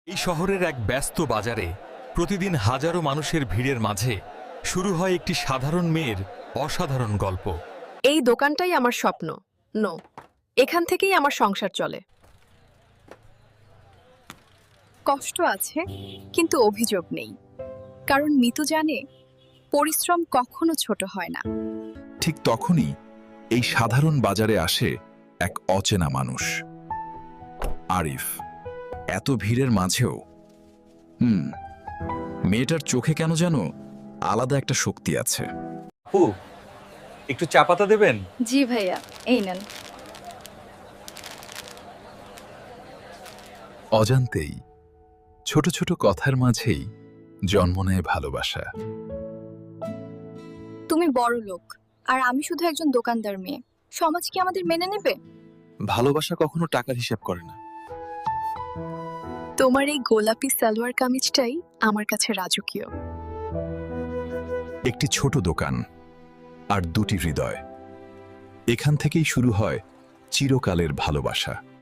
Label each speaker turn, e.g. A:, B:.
A: এই শহরের এক ব্যস্ত বাজারে প্রতিদিন হাজারো মানুষের ভিড়ের মাঝে শুরু হয় একটি সাধারণ মেয়ের অসাধারণ গল্প।
B: এই দোকানটাই আমার স্বপ্ন। নো, এখান থেকেই আমার সংসার চলে। কষ্ট আছে, কিন্তু অভিযোগ নেই, কারণ মিতু জানে পরিশ্রম কখনো ছোট হয় না।
C: ঠিক তখনই এই সাধারণ বাজারে আসে এক অচেনা মানুষ, আরিফ। এত ভিড়ের মাঝেও মেয়েটার চোখে কেন যেন আলাদা একটা শক্তি আছে।
A: আপু, একটু চা পাতা দেবেন?
D: জি ভাইয়া, এই নেন।
C: অজান্তেই ছোট ছোট কথার মাঝেই জন্ম নেয় ভালোবাসা।
D: তুমি বড় লোক, আর আমি শুধু একজন দোকানদার মেয়ে। সমাজ কি আমাদের মেনে নেবে?
E: ভালোবাসা কখনো টাকার হিসাব করে না।
B: তোমার এই গোলাপি সালোয়ার কামিজটাই আমার কাছে রাজকীয়।
C: একটি ছোট দোকান আর দুটি হৃদয়, এখান থেকেই শুরু হয় চিরকালের ভালোবাসা।